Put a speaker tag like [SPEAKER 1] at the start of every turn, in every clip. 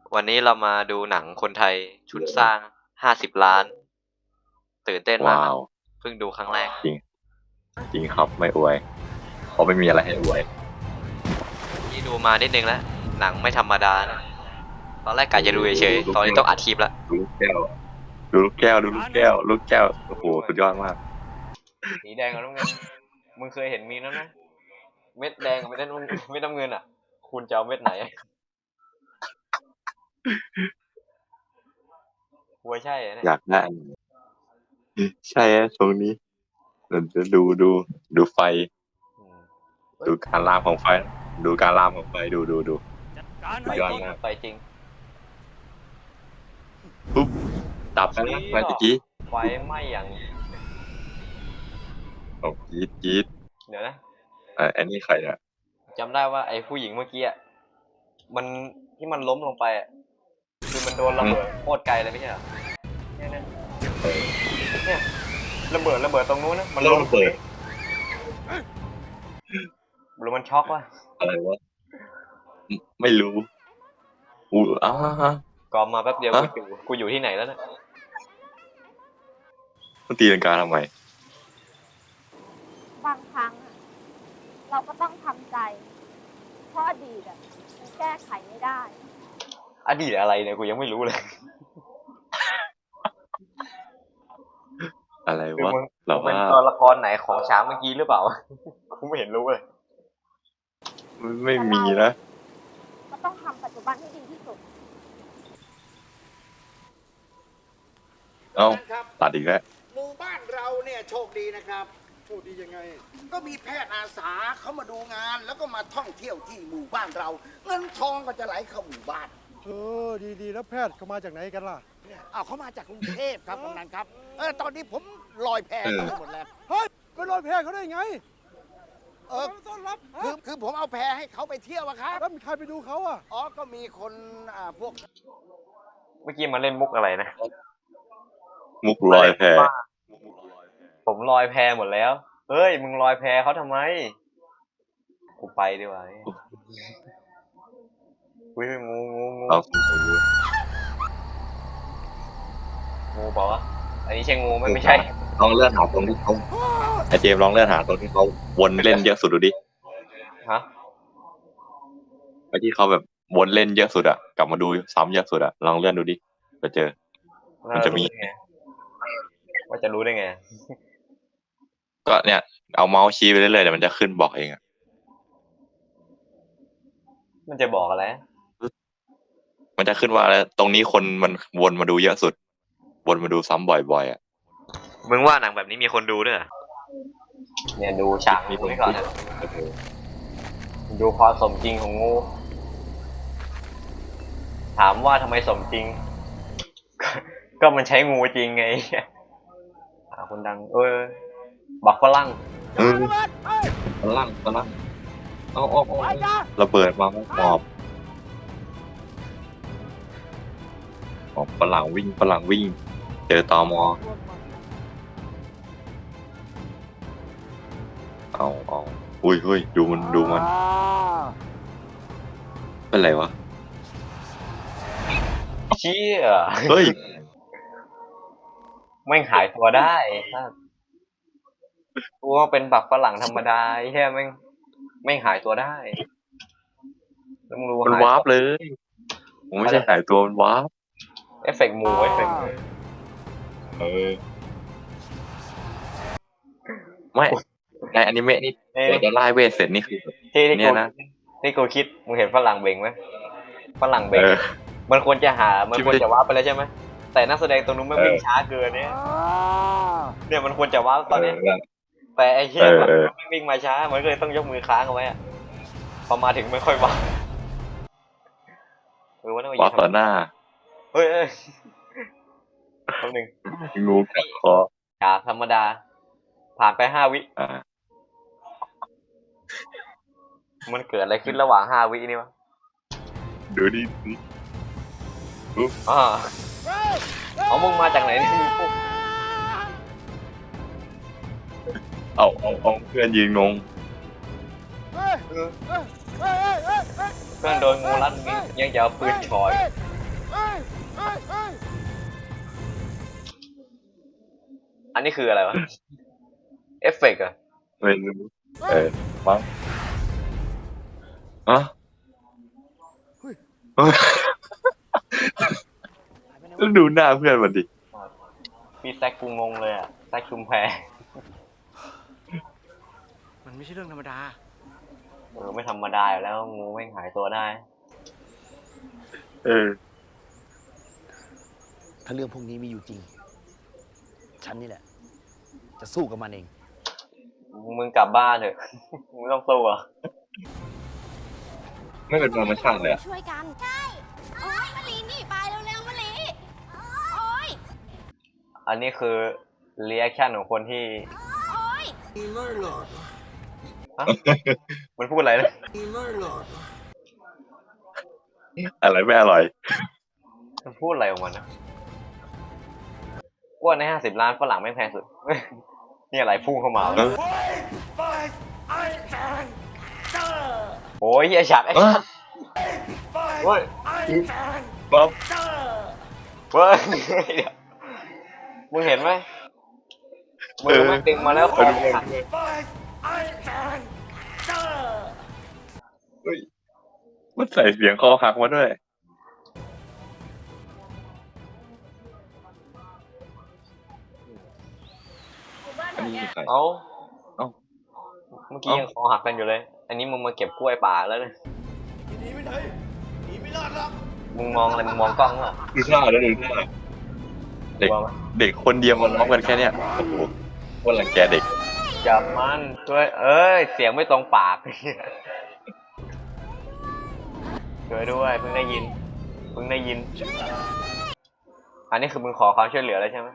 [SPEAKER 1] วันนี้เรามาดูหนังคนไทยทุนสร้าง50 ล้านตื่นเต้นมากครับ
[SPEAKER 2] ว้าว
[SPEAKER 1] เพิ่งดูครั้งแรก
[SPEAKER 2] จริงจริงครับไม่อวยเพราะไม่มีอะไรให้อวย
[SPEAKER 1] ที่ดูมานิดนึงแล้วหนังไม่ธรรมดานะตอนแรกกะจะดูเฉยๆตอนนี้ต้องอัดคลิปแล้ว
[SPEAKER 2] ดูลูกแก้วดูลูกแก้วดูลูกแก้วลูกแก้วโอ้โหสุดยอดมาก
[SPEAKER 1] สีแดงกับน้ำเงินมึงเคยเห็นมีนั้นไหมเม็ดแดงกับเม็ดน้ำเงินอ่ะคุณจะเอาเม็ดไหนหัวใช่เหรอเนี่ย
[SPEAKER 2] อยากได้อันนี้ใช่ตรงนี้เราจะดูไฟ
[SPEAKER 1] อืม
[SPEAKER 2] ดูการลามของไฟดูการลามของไฟดูสุ
[SPEAKER 1] ไป
[SPEAKER 2] ดยอด
[SPEAKER 1] จริง
[SPEAKER 2] มาก
[SPEAKER 1] ไปจริง
[SPEAKER 2] ปุ๊บดับไปแล้วเมื่อกี้
[SPEAKER 1] ไฟไหม้อย่าง
[SPEAKER 2] โอ้จี๊ด
[SPEAKER 1] เดี๋ยวนะ
[SPEAKER 2] อันนี้ใครเนี่ย
[SPEAKER 1] จำได้ว่าไอ้ผู้หญิงเมื่อกี้อ่ะมันที่มันล้มลงไปอ่ะคือมันโดนระเบิดโคตรไกลเลยไม่ใช่เหรอเนี่ยเนี่ยระเบิดตรงนู้นนะมันล้ม
[SPEAKER 2] เปิด
[SPEAKER 1] หรือมันช็อกวะ
[SPEAKER 2] อะไรวะไม่รู้อู้
[SPEAKER 1] กอมมาแป๊บเดียว
[SPEAKER 2] ฮะ
[SPEAKER 1] กูอยู่ที่ไหนแล้วเนี่ย
[SPEAKER 2] มันตีลังกาทำไม
[SPEAKER 3] บางครั้งอะเราก็ต้องทำใจ เพราะอดีตอะมันแก้ไขไม่ได้
[SPEAKER 1] อดีตอะไรเนี่ยกูยังไม่รู้เลย
[SPEAKER 2] อะไร
[SPEAKER 1] คือ
[SPEAKER 2] วะ
[SPEAKER 1] มึง
[SPEAKER 2] เรา
[SPEAKER 1] เป็น
[SPEAKER 2] ว่า
[SPEAKER 1] ตัวละครไหนของช้างเมื่อกี้หรือเปล่า กูไม่เห็นรู้เลย
[SPEAKER 2] ไม่มีนะ
[SPEAKER 3] ก็ต้องทำปัจจุบันให้ดีที่สุด
[SPEAKER 2] เอ้า
[SPEAKER 4] ครับ
[SPEAKER 2] ตัดอีกแล้ว
[SPEAKER 4] หมู่บ้านเราเนี่ยโชคดีนะครับ
[SPEAKER 5] โชคดียังไง
[SPEAKER 4] ก็มีแพทย์อาสาเขามาดูงาน แล้วก็มาท่องเที่ยวที่หมู่บ้านเรา เงินทองก็จะไหลเข้าหมู่บ้าน
[SPEAKER 5] ดีแล้วแพทย์เขามาจากไหนกันล่ะ
[SPEAKER 4] เอาเขามาจากกรุงเทพครับกำนันครับตอนนี้ผมลอยแพหมดแล้ว
[SPEAKER 5] เฮ้ยไปรอยแพทย์เขาได้ไง
[SPEAKER 4] เออ
[SPEAKER 5] ต้อนรับ
[SPEAKER 4] คือผมเอาแพให้เขาไปเที่ยวอะครับ
[SPEAKER 5] แล้วมีใครไปดูเขาอ่ะ
[SPEAKER 4] อ๋อก็มีคนพวก
[SPEAKER 1] เมื่อกี้มาเล่นมุกอะไรนะ
[SPEAKER 2] มุกลอยแพ
[SPEAKER 1] ผมลอยแพหมดแล้ว เฮ้ยมึงลอยแพเขาทำไม กูไปดีกว่าอุ้ยงู
[SPEAKER 2] เอา
[SPEAKER 1] งูบอกว่าอันนี้ใช่งูไหมไม่ใช่
[SPEAKER 2] ลองเลื่อนหาตรงที่เขาไอเจมส์ลองเลื่อนหาตรงที่เขาวนเล่นเยอะสุดดูดิ
[SPEAKER 1] ฮะ
[SPEAKER 2] ไปที่เขาแบบวนเล่นเยอะสุดอะกลับมาดูซ้ำเยอะสุดอะลองเลื่อนดูดิไปเจอ มันจะมี
[SPEAKER 1] ว่าจะรู้ได้ไง
[SPEAKER 2] ก็เนี่ยเอาเมาส์ชี้ไปเรื่อยๆเดี๋ยวมันจะขึ้นบอกเองอะ
[SPEAKER 1] มันจะบอกอะไร
[SPEAKER 2] มันจะขึ้นว่าอะไรตรงนี้คนมันวนมาดูเยอะสุดวนมาดูซ้ำบ่อยๆอะ
[SPEAKER 1] มึงว่าหนังแบบนี้มีคนดูด้วยเหรอเนี่ยดูฉากนี้ก่อนนะดูความสมจริงของงู ถามว่าทำไมสมจริง ก็มันใช้งูจริงไงคนดัง บักฝรั่ง
[SPEAKER 2] ฝรั่งเอาระเบิดมาหอบฝรั่งวิ่งเจอตมเอาอุ้ยเฮ้ยดูมันเป็นไรวะ
[SPEAKER 1] เชี่ย
[SPEAKER 2] เฮ้ย
[SPEAKER 1] ไม่งหายตัวได้ถ้ากูว่าเป็นบักฝรั่งธรรมดาแค่ไม่งหายตัวได้แล้วมึงรู้
[SPEAKER 2] มัน
[SPEAKER 1] หายว
[SPEAKER 2] าร์ปเลยผมไม่ใช่หายตัวมันวาร์ป
[SPEAKER 1] เอฟเฟกต์หมูเอฟเฟกต์
[SPEAKER 2] ไม่ในอนิเมะนี่เราจะไล่เวทเสร็จนี่คือ
[SPEAKER 1] ที่
[SPEAKER 2] เนี่ยนะ
[SPEAKER 1] ที่กูคิดมึงเห็นฝรั่งเบ่งไหมฝรั่งเบ่งมันควรจะวาร์ปไปแล้วใช่ไหมแต่นักแสดงตรงนู้นไม่วิ่งช้าเกินเนี่ยมันควรจะวาร์ปตอนนี้แต่ไอ้เหี้ยมันไม่วิ่งมาช้ามันก็เลยต้องยกมือค้างเอาไว้อะพอมาถึงไม่ค่อยวาร์ปว่าต้อง
[SPEAKER 2] วาร์ปต่อหน้า
[SPEAKER 1] เฮ้ยคำหนึ่ง
[SPEAKER 2] งูกัดคอ
[SPEAKER 1] จากธรรมดา ผ่านไป5 วิ มันเกิดอะไรขึ้นระหว่าง5 วินี่วะ
[SPEAKER 2] ดูดิ
[SPEAKER 1] เอามึงมาจากไหนนี่พวก
[SPEAKER 2] เอาเพื่อนยืนงง
[SPEAKER 1] เพื่อนโดนงูรัดยังจะเอาปืนฉอยอันนี้คืออะไรวะ เอฟเฟกต์เหรอะ
[SPEAKER 2] ไม่รู้มั้งอ่ะแล้วดูหน้าเพื่อนมันดิ
[SPEAKER 1] พี่แซกกูงงเลยอะแซกชุมแพ
[SPEAKER 5] มันไม่ใช่เรื่องธรรมดา
[SPEAKER 1] ไม่ธรรมดาอยู่แล้วงูแม่งหายตัวได้
[SPEAKER 2] เออ
[SPEAKER 6] ถ้าเรื่องพวกนี้มีอยู่จริง ฉันนี่แหละ จะสู้กับมันเอง
[SPEAKER 1] มึงกลับบ้านเถอะ มึงไม่ต้องสู้อ่ะ
[SPEAKER 2] ไม่เป็นธรรมชาติเลยอะ
[SPEAKER 3] ช่วยกัน ใช่ โอ๊ยมะลิหนีไปเร็วๆมะลิโอ๊ย
[SPEAKER 1] อันนี้คือเรีแอคชั่นของคนที่
[SPEAKER 3] โอ๊ย
[SPEAKER 1] ฮะมันพูดอะไรนะ
[SPEAKER 2] อะไรไม่อร่อย
[SPEAKER 1] มันพูดอะไรของมันนะว่าใน50 ล้านฝรั่งไม่งแพงสุด นี่อะไรพุ่งเข้ามา
[SPEAKER 2] เออ
[SPEAKER 1] โอ้ยเฮียฉากไอ้ชั่นเว้ย
[SPEAKER 2] ป๊อป
[SPEAKER 1] เว้ยเดี๋ยวมึงเห็นไหมมือมันดึงมาแล้วคอขาด
[SPEAKER 2] เฮ้ยมันใส่เสียงคอหักมาด้วย อันนี้คือใคร
[SPEAKER 1] เอ้า
[SPEAKER 2] เอ้า
[SPEAKER 1] เมื่อกี้ยังคอหักกันอยู่เลย อันนี้มึงมาเก็บกล้วยป่าแล้วเนี่ย
[SPEAKER 5] หนีไม่ได้หนีไม่รอดหรอก
[SPEAKER 1] มึงมองอะไรมึงมองกล้องเหรอ
[SPEAKER 2] ดูหน้าแล้วดูหน้าเด็ก
[SPEAKER 1] กลัวไหม
[SPEAKER 2] เด็กคนเดียวมันร้องกันแค่เนี้ยโอ้โหคนรังแกเด็ก
[SPEAKER 1] จับมันช่วยเอ้ย เสียงไม่ตรงปาก ช่วยด้วยเพิ่งได้ยิน อันนี้คือมึงขอความช่วยเหลือแล้วใช่ไหม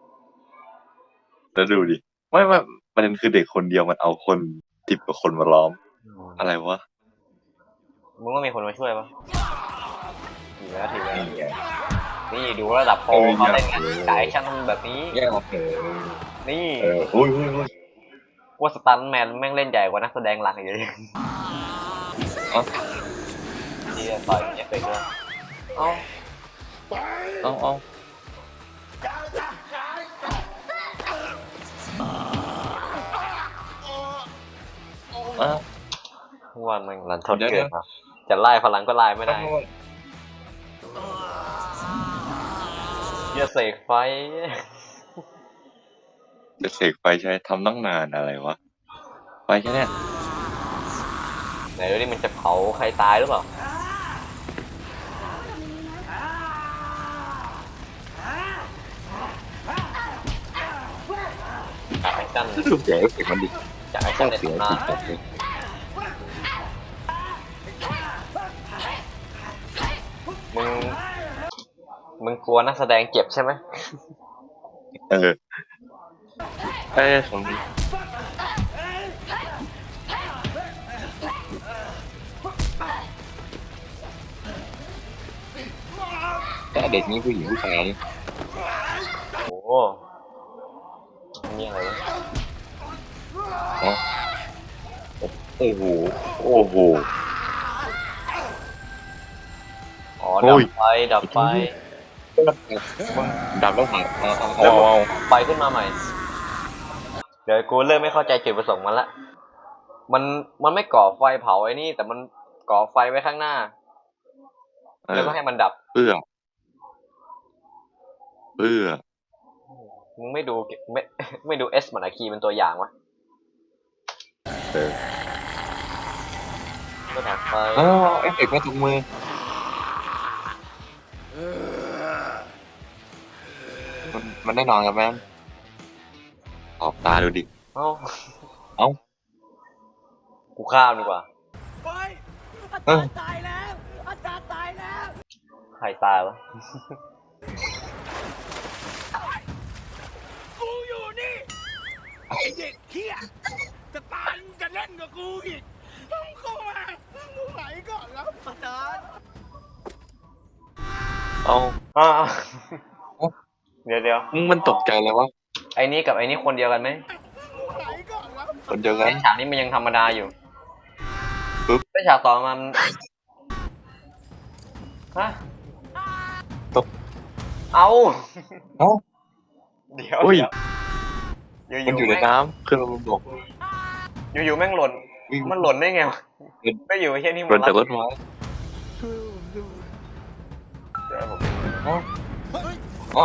[SPEAKER 2] แล้วดูดิไม่ประเด็นคือเด็กคนเดียวมันเอาคน10 กว่าคนมาล้อม อะไรวะ
[SPEAKER 1] มึงว่ามีคนมาช่วยปะถือแล้ว
[SPEAKER 2] นี่ไง
[SPEAKER 1] นี่ดูระดับโปรเขาเล่นกันจ่ายชั่นแบบนี้
[SPEAKER 2] แย่ออกเถอะ
[SPEAKER 1] นี่
[SPEAKER 2] โอ้ย
[SPEAKER 1] ว่าสตันแมนแม่งเล่นใหญ่กว่านักแสดงหลักอยู่เลย
[SPEAKER 2] เอ้า
[SPEAKER 1] ที่ต่อยเอฟเฟกต์ด้วยเอ้า
[SPEAKER 2] เอา
[SPEAKER 1] ว่ามันรันทดเกินครับจะไล่พลังก็ไล่ไม่ได้เหี้ยเสกไฟ
[SPEAKER 2] จะเสกไฟใช้ทำตั้งนานอะไรวะ ไฟแค่เนี้ย
[SPEAKER 1] ไหนดูดิมันจะเผาใครตายหรือเปล่าจากไอ้จัน
[SPEAKER 2] ดูเสียงเอฟเฟกต์มันดิ
[SPEAKER 1] จากไอ้จันใน
[SPEAKER 2] เสียง
[SPEAKER 1] ตำนาน
[SPEAKER 2] ติดเลย
[SPEAKER 1] มึง มึงกลัวนักแสดงเจ็บใช่ไหม
[SPEAKER 2] เออของแต่เด็กนี้ผู้หญิงผู้ชายนี่
[SPEAKER 1] โอ้โหนี่อะไรวะ
[SPEAKER 2] โอ้โห
[SPEAKER 1] อ๋อ
[SPEAKER 2] โอ้
[SPEAKER 1] ดับ
[SPEAKER 2] ย
[SPEAKER 1] ไฟดับไฟ
[SPEAKER 2] ดับแล้วหายเอา
[SPEAKER 1] ไฟขึ้นมาใหม่ เดี๋ยวกูเริ่มไม่เข้าใจจุดประสงค์มันละ มันไม่ก่อไฟเผาไอ้นี่ แต่มันก่อไฟไว้ข้างหน้า แล้วก็ให้มันดับ
[SPEAKER 2] เพื่อ
[SPEAKER 1] มึงไม่ดูไม่ดูเอสมันอะคีเป็นตัวอย่างวะ
[SPEAKER 2] เออ
[SPEAKER 1] ก็ดับไฟ
[SPEAKER 2] เอฟเฟกต์มาถุงมือมันได้นอนกับแม่ออกตาดูดิ
[SPEAKER 1] เอ้า
[SPEAKER 2] เอ้า
[SPEAKER 1] กูข้ามดีกว่า
[SPEAKER 5] ไปอาจารย์ตายแล้ว อาจารย์ตายแล้ว
[SPEAKER 1] ใครตายวะ
[SPEAKER 5] กูอยู่นี่ ไอ้เด็กเหี้ยจะตายมึงจะเล่นกับกูอีกมึงเข้ามามึงไหนก่อนแล้วอาจารย์
[SPEAKER 2] เอา
[SPEAKER 1] อ้าว
[SPEAKER 2] เอ้า
[SPEAKER 1] เดี๋ยว
[SPEAKER 2] มันตกใจเลยวะ
[SPEAKER 1] ไอ้นี่กับไอ้นี่คนเดียวกันไหม
[SPEAKER 5] ไหนก่อนแล้ว
[SPEAKER 2] คนเดียวกัน
[SPEAKER 1] ไอ้ฉากนี้มันยังธรรมดาอยู่
[SPEAKER 2] ปึ๊บ
[SPEAKER 1] ไอ้ฉากต่อมันฮะ
[SPEAKER 2] ตก
[SPEAKER 1] เอา
[SPEAKER 2] เอ้า
[SPEAKER 1] เดี๋ยว
[SPEAKER 2] อุ้ย
[SPEAKER 1] เดี๋ยว
[SPEAKER 2] มันอยู่ในน้ำขึ้นมาบนบก
[SPEAKER 1] อยู่แม่งหล่น
[SPEAKER 2] วิ่ง
[SPEAKER 1] มันหล่นได้ไงวะไม่อยู่ไม่ใช่นี่
[SPEAKER 2] ห
[SPEAKER 1] มั
[SPEAKER 2] ล่น
[SPEAKER 1] น
[SPEAKER 2] จากรถไม้
[SPEAKER 1] เดี๋ยวผม
[SPEAKER 2] อ๋อ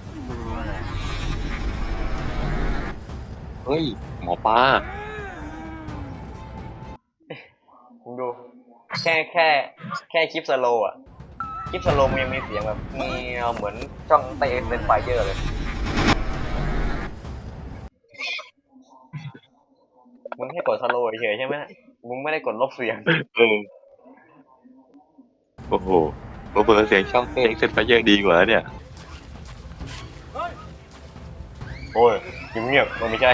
[SPEAKER 2] เฮ้ยหมอปลา
[SPEAKER 1] ผมดู แค่คลิปสโลว์อะคลิปสโลว์มันยังมีเสียงแบบมีเหมือนช่องเตะเป็นไฟเยอร์เลยมึงให้กดสโลว์เฉยๆใช่ไหมมึงไม่ได้กดลบเสียง
[SPEAKER 2] เออโอ้โหเบอร์เสียงช่องเต้เซ็ตไฟเยอะดีกว่าเนี่ย
[SPEAKER 1] โอ้ยเงียบๆมันไม่ใช่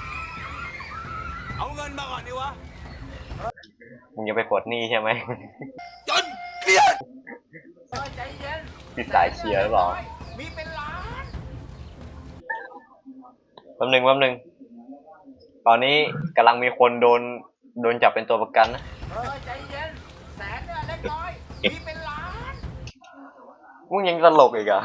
[SPEAKER 5] เอาเงินมาก่อนดิวะ
[SPEAKER 1] มึงจะไปกดหนี้ใช่ไหม
[SPEAKER 5] จนเกลียด
[SPEAKER 4] ใจเย็น
[SPEAKER 1] ติดสายเชียร์หรือเปล่า
[SPEAKER 4] มีเป็นล้าน
[SPEAKER 1] แป๊บนึงตอนนี้กำลังมีคนโดนจับเป็นตัวประกันนะ
[SPEAKER 4] ใจเย็นแสนเนี่ยเล็กน้อยมีเป็นล้าน
[SPEAKER 1] มึงยังตลกอีกเหรอะ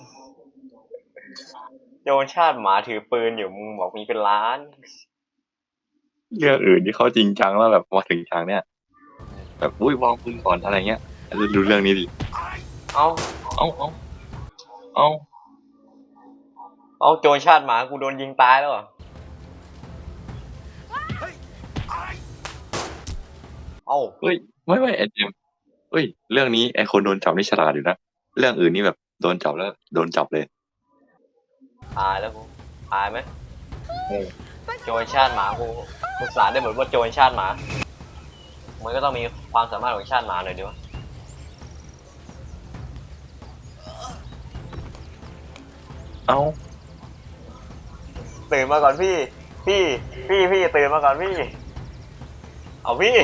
[SPEAKER 1] โจรชาติหมาถือปืนอยู่มึงบอกมีเป็นล้าน
[SPEAKER 2] เรื่องอื่นที่เขาจริงจังแล้วแบบมาถึงฉากเนี้ยแบบอุ้ยวางปืนก่อนอะไรเงี้ยดูเรื่องนี้ดิ
[SPEAKER 1] เอา
[SPEAKER 2] เอา
[SPEAKER 1] เอาโจรชาติหมากูโดนยิงตายแล้วเหรอเอา
[SPEAKER 2] เฮ้ยไม่ไอเจมส์เฮ้ยเรื่องนี้ไอคนโดนจับนี่ฉลาดอยู่นะเรื่องอื่นนี่แบบโดนจับแล้วโดนจับเลย
[SPEAKER 1] ตายแล้วกูตายไหมโจรชาติหมากูศึกษาได้เหมือนว่าโจรชาติหมามันก็ต้องมีความสามารถของชาติหมาหน่อยดิวะ
[SPEAKER 2] เอา
[SPEAKER 1] ตื่นมาก่อนพี่ตื่นมาก่อนพี่ เอาพี่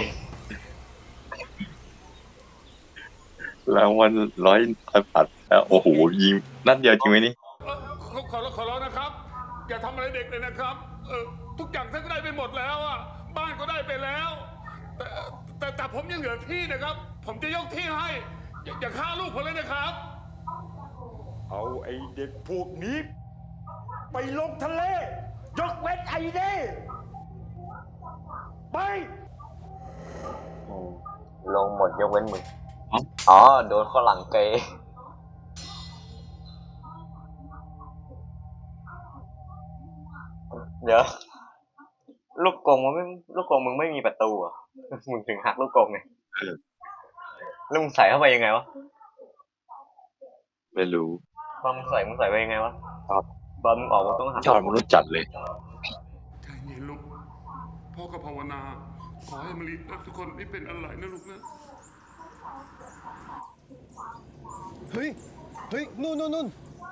[SPEAKER 2] รางวัล100 บาทแล้วโอ้โหยิงนัดเดียวจริงไหมนี่
[SPEAKER 5] ขอร้องนะครับ อย่าทำอะไรเด็กเลยนะครับ ทุกอย่างท่านก็ได้ไปหมดแล้วอ่ะ บ้านก็ได้ไปแล้ว แต่ผมยังเหลือที่นะครับ ผมจะยกที่ให้ อย่าฆ่าลูกผมเลยนะครับ
[SPEAKER 7] เอาไอ้เด็กพวกนี้ ไปลงทะเล ยกเว้นไอ้เด้ไป
[SPEAKER 1] ลงหมดยกเว้นมึงอ๋อโดนข้อหลังเกย์เดี๋ยวลูกกงมึงไม่มีประตูอ่ะมึงถึงหักลูกกงไงแล้วมึงใส่เข้าไปยังไงวะ
[SPEAKER 2] ไม่รู้
[SPEAKER 1] ตอนมึงใส่ไปยังไงวะ
[SPEAKER 2] ครับ
[SPEAKER 1] ตอนมึงออกมึงต้องหัก
[SPEAKER 2] ยอดมนุษย์จัดเลย
[SPEAKER 5] ใจเย็นลูก พ่อก็ภาวนา ขอให้มะลิและทุกคนไม่เป็นอะไรนะลูกนะ
[SPEAKER 7] เฮ้ย นู่น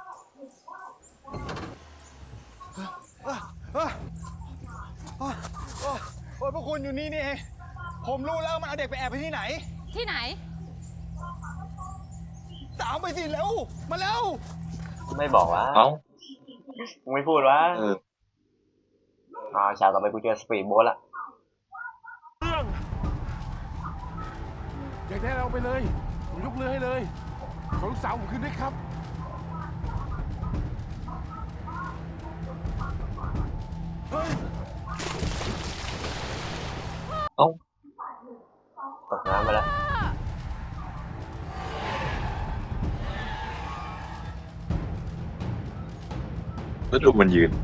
[SPEAKER 7] โอ้ยพวกคุณอยู่นี่นี่เอง ผมรู้แล้วมันเอาเด็กไปแอบไปที่ไหน
[SPEAKER 3] ที่ไหน
[SPEAKER 7] ตามไปสิเร็ว มาเร็ว
[SPEAKER 1] ไม่บอกวะ
[SPEAKER 2] เอ้า
[SPEAKER 1] มึงไม่พูดวะ
[SPEAKER 2] เออ
[SPEAKER 1] ฉากต่อไปกูเจอสปีดโบ๊ทละ
[SPEAKER 5] อยากได้เราไปเลย ผมยกเรือให้เลย ขอลูกสาวผมขึ้นด้วยครับ
[SPEAKER 2] เอ้า
[SPEAKER 1] ตกน้ำไปแล้ว
[SPEAKER 2] แล้วดูมันยืน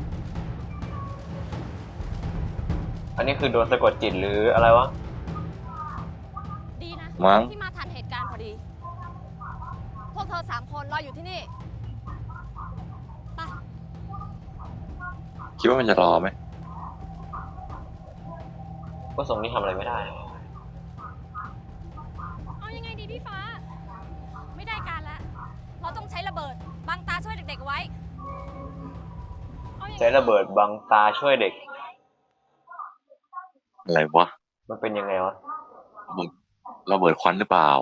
[SPEAKER 1] อันนี้คือโดนสะกดจิตหรืออะไรวะ
[SPEAKER 3] ดีนะ
[SPEAKER 2] มั้ง
[SPEAKER 3] ที่มาทันเหตุการณ์พอดี พวกเธอ3 คนรออยู่ที่นี่ ไป
[SPEAKER 2] คิดว่ามันจะรอไหม
[SPEAKER 1] ก็ทรงนี้ทำอะไรไม่ได้
[SPEAKER 3] เอายังไงดีพี่ฟ้า ไม่ได้การละเราต้องใช้ระเบิดบังตาช่วยเด็กๆไว้อายังไง
[SPEAKER 1] ใช้ระเบิดบังตาช่วยเด็ก
[SPEAKER 2] อะไรวะ
[SPEAKER 1] มันเป็นยังไงวะ
[SPEAKER 2] ระเบิดควันหรือเปล่า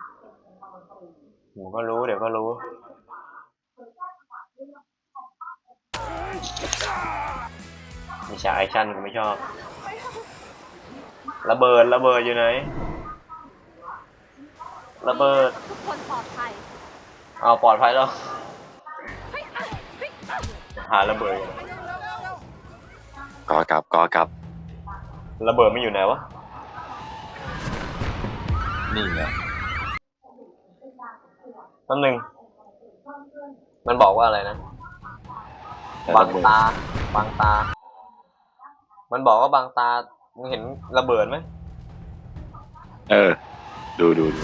[SPEAKER 1] ผมก็รู้เดี๋ยวก็รู้ มีฉากแอคชั่นกูไม่ชอบ ระเบิดอยู่ไหน ระเบิด
[SPEAKER 3] ทุกคนปลอดภัย
[SPEAKER 1] เอาปลอดภัยแล้ว
[SPEAKER 3] เฮ้ยเฮ้ย
[SPEAKER 1] หาระเบิดอยู่
[SPEAKER 2] กลับ
[SPEAKER 1] ระเบิดมันอยู่ไหนวะ
[SPEAKER 2] นี่ไง
[SPEAKER 1] นั่นหนึ่งมันบอกว่าอะไรนะบางตาบางตา มันบอกว่าบางตามึงเห็นระเบิดไหม
[SPEAKER 2] เออ ดู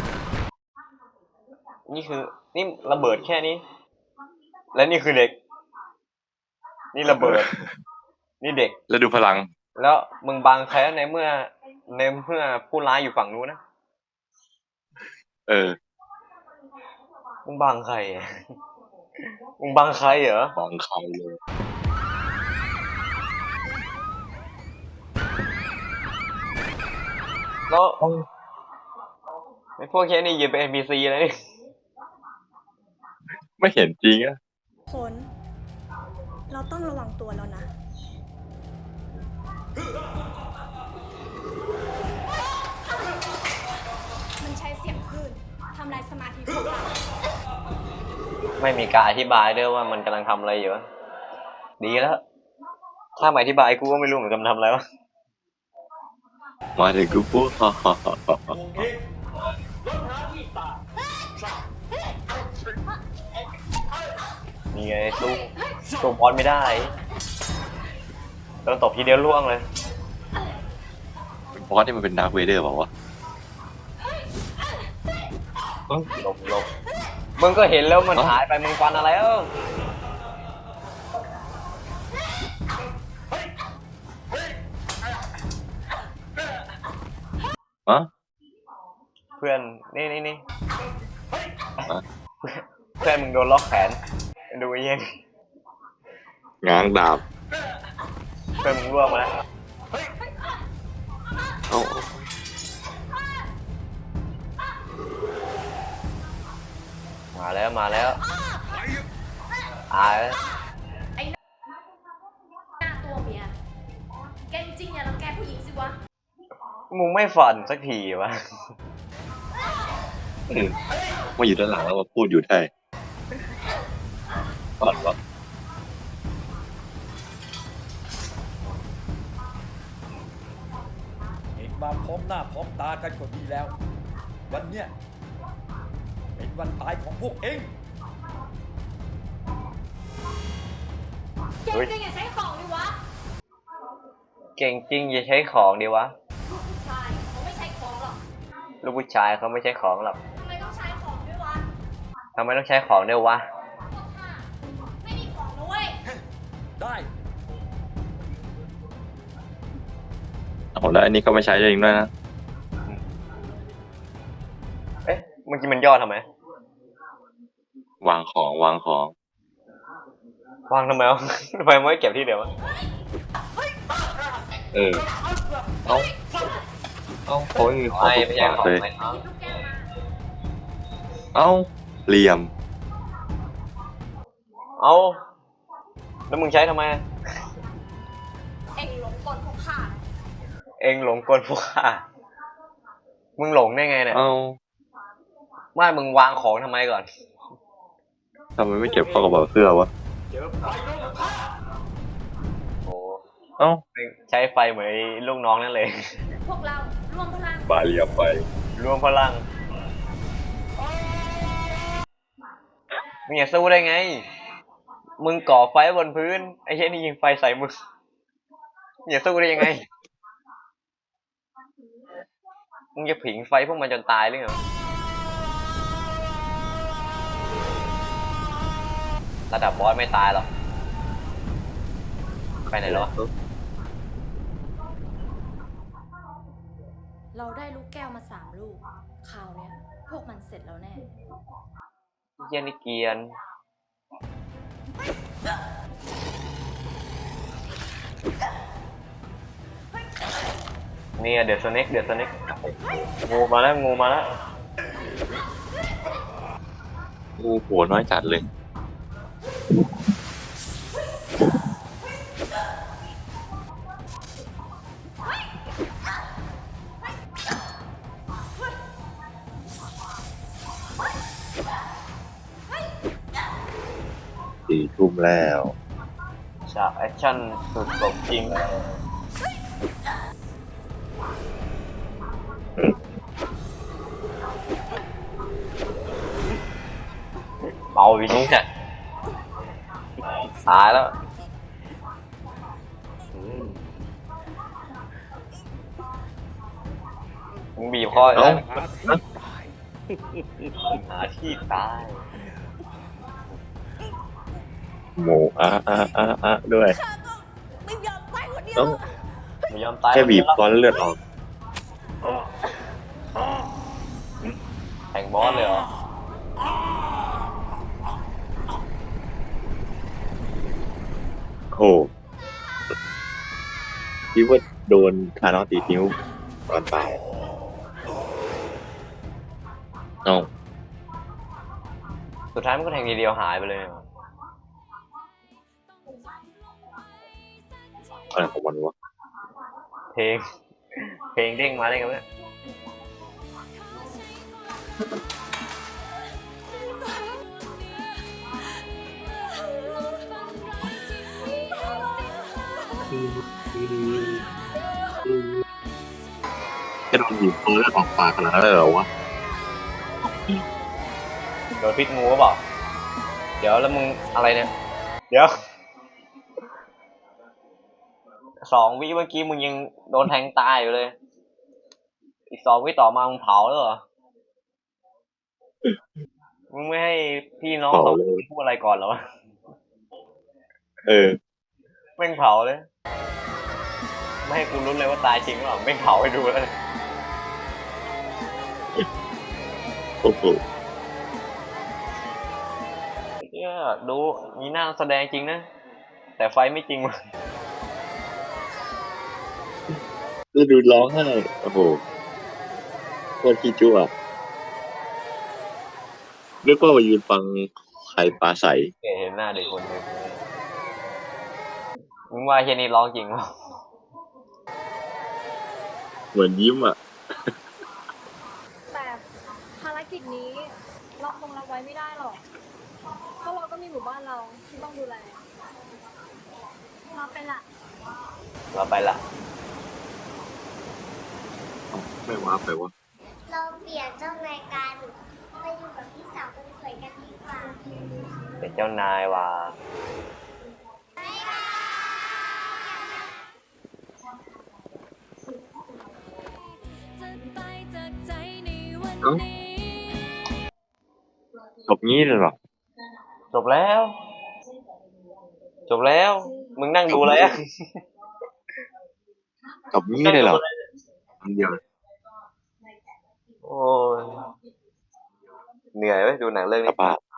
[SPEAKER 1] นี่คือนี่ระเบิดแค่นี้ และนี่คือเด็ก นี่ระเบิด นี่เด็ก
[SPEAKER 2] แล้วดูพลัง
[SPEAKER 1] แล้วมึงบังใครในเมื่อผู้ร้ายอยู่ฝั่งนู้นนะ
[SPEAKER 2] เออ
[SPEAKER 1] มึงบังใครอะ มึงบังใครเหรอ
[SPEAKER 2] มองเขาเลย
[SPEAKER 1] แล้วไอ้พวกแค่นี้ยืนเป็น NPC เลยนี่
[SPEAKER 2] ไม่เห็นจริงอะ
[SPEAKER 8] ผล เราต้องระวังตัวแล้วนะ มันใช้เสียงคลื่นทำลายสมาธิพวกเรา
[SPEAKER 1] ไม่มีการอธิบายด้วยว่ามันกำลังทำอะไรอยู่วะดีแล้ว ถ้าไม่อธิบายกูก็ไม่รู้เหมือนกันมันทำอะไรวะ
[SPEAKER 2] มาถึงกูปุ๊บ
[SPEAKER 1] นี่ไงสู้บอสไม่ได้โดนตบทีเดียวล่วงเลย
[SPEAKER 2] บอสนี่มันเป็นดาร์คเวเดอร์เปล่าวะ
[SPEAKER 1] หลบมึงก็เห็นแล้วมันหายไปมึงฟันอะไรเออ
[SPEAKER 2] ฮะ
[SPEAKER 1] เพื่อนนี่เพื่อนมึงโดนล็อกแขนดูไอ้เหี้ย
[SPEAKER 2] ง้างดาบ
[SPEAKER 1] เพื่อนมึงร่วงมาแล้ว
[SPEAKER 2] เอา
[SPEAKER 1] มาแล้วตายแล้ว
[SPEAKER 3] หน้าตัวเมียแกจริงอย่ารังแกผู้หญิงสิวะ
[SPEAKER 1] มึงไม่ฝันสักทีวะ
[SPEAKER 2] มาอยู่ด้านหลังแล้วมาพูดอยู่ได้ก่อนวะ
[SPEAKER 7] เองมาพร้อมหน้าพร้อมตากันก็ดีแล้ว วันเนี้ยเป็นวันตายของพวกเอง
[SPEAKER 3] แกจริงอย่าใช้ของดิวะ
[SPEAKER 1] เก่งจริงอย่าใช้ของดีวะ
[SPEAKER 3] ลูกผู้ชายเขาไม่ใช้ของหรอก
[SPEAKER 1] ลูกผู้ชายเขาไม่ใช้ของหรอก
[SPEAKER 3] ทำไมต้องใช้ของด้วยวะ
[SPEAKER 1] ทำไมต้องใช้ของด้วยวะ
[SPEAKER 3] พวกข้าไม่มีของนะเว้ย
[SPEAKER 7] ได้
[SPEAKER 2] เอาแล้วอันนี้ก็ไม่ใช้เองด้วยนะ
[SPEAKER 1] เอ๊ะเมื่อกี้มันย่อทำไม
[SPEAKER 2] วางของ
[SPEAKER 1] วางทำไมวะ ทำไมไม่เก็บที่เดียววะ
[SPEAKER 2] เออ เอาเขาไม่มีของ
[SPEAKER 1] ไม่ใช่ของ
[SPEAKER 2] เลย
[SPEAKER 1] ไม่เอา
[SPEAKER 3] หยิบลูกแก้วมา
[SPEAKER 2] เอาเหลี่ยม
[SPEAKER 1] เอาแล้วมึงใช้ทำไม
[SPEAKER 3] เอ็งหลงกลพวกข้า
[SPEAKER 1] เองหลงกลพวกข้ามึงหลงได้ไงเนี่ย
[SPEAKER 2] เอา
[SPEAKER 1] ไม่มึงวางของทำไมก่อน
[SPEAKER 2] ทำไมไม่เก็บเข้ากระเป๋าเสื้อวะ
[SPEAKER 1] โอ้
[SPEAKER 2] เอ้า
[SPEAKER 1] ใช้ไฟเหมือนลูกน้องนั่นเลย
[SPEAKER 3] พวกเรารวมพลัง
[SPEAKER 2] บาเรียบไป
[SPEAKER 1] รวมพลังมึงอย่าสู้ได้ไง มึงก่อไฟบนพื้นไอ้เช่นนี่ยิงไฟใส่มึงอย่าสู้ได้ยังไง มึงจะผิงไฟพวกมันจนตายหรือไงระดับบอสไม่ตายหรอกไปไหนแล้ววะ
[SPEAKER 3] เราได้ลูกแก้วมา3 ลูกคราวเนี้ยพวกมันเสร็จแล้วแน่
[SPEAKER 1] เยี่ยนี่เกียนเนี่ยเดือดสเน็กงูมาแล้วงู
[SPEAKER 2] โหัวน้อยจัดเลย 4 ทุ่มแล้ว
[SPEAKER 1] จากแอคชั่นสุดสมจริงเมาวิงเนี่ยตายแล้วมึงบีบคออยู่แล้วหาที่ตาย
[SPEAKER 2] โมด้วย
[SPEAKER 3] ไม่ยอมไปคนเดียว
[SPEAKER 2] ต้อง
[SPEAKER 1] ไม่ยอมตาย
[SPEAKER 2] แค่บีบคอแล้วเลือดออก
[SPEAKER 1] แข่งบอสเลยเหรอ
[SPEAKER 2] โอ้คิดว่าโดนคานอสตีนิ้วตอนตายน้อง
[SPEAKER 1] สุดท้ายมันก็แทงทีเดียวหายไปเลย
[SPEAKER 2] อะไรของมันวะ
[SPEAKER 1] เพลง เพลงเด้งมาได้ไงวะเนี่ย
[SPEAKER 2] แค่โดนบีบคอแล้วออกปากขนาดนั้นเลยเหรอวะ
[SPEAKER 1] โดนพิษงูหรือเปล่า เดี๋ยวแล้วมึงอะไรเนี่ย เดี๋ยว 2 วิเมื่อกี้มึงยังโดนแทงตายอยู่เลย อีก 2 วิต่อมามึงเผาแล้วเหรอ มึงไม่ให้พี่น้อง
[SPEAKER 2] เผา
[SPEAKER 1] สอง
[SPEAKER 2] เลย
[SPEAKER 1] พูดอะไรก่อนเหรอวะ
[SPEAKER 2] เออ
[SPEAKER 1] แม่งเผาเลย ไม่ให้กูรู้เลยว่าตายจริงหรือเปล่าแม่งเผาให้ดูเลย
[SPEAKER 2] โอ้โห
[SPEAKER 1] เนี่ยดูมีหน้าแสดงจริงนะ แต่ไฟไม่จริงว่ะ
[SPEAKER 2] แล้วดูร้องไห้โอ้โหโคตรขี้จุ๊อ่ะนึกว่ามายืนฟังใครปลาใส
[SPEAKER 1] เห็นหน้าเด็กคนหนึ่งมึงว่าเฮียนี่ร้องจริงวะ
[SPEAKER 2] เหมือนยิ้มอ่ะ
[SPEAKER 8] แต่ภารกิจนี้เราคงรับไว้ไม่ได้หรอก เพราะเราก็มีหมู่บ้านเราที่ต้องดูแลเราไปละ
[SPEAKER 1] เราไปละ
[SPEAKER 2] ไม่ว่าไปวะ
[SPEAKER 9] เราเปลี่ยนเจ้านายกันไปอยู่กับพี่สาวคนสวยกันดีกว่า
[SPEAKER 1] เป็นเจ้านายว่ะ
[SPEAKER 2] จบงี้เลยเหรอ
[SPEAKER 1] จบแล้ว จบแล้ว มึงนั่งดูอะไรอ่ะ
[SPEAKER 2] จบงี้เลยเหรออันเดียว
[SPEAKER 1] โอ้ยเหนื่อยไหมดูหนังเรื่อง
[SPEAKER 2] ส
[SPEAKER 1] นี้
[SPEAKER 2] บาย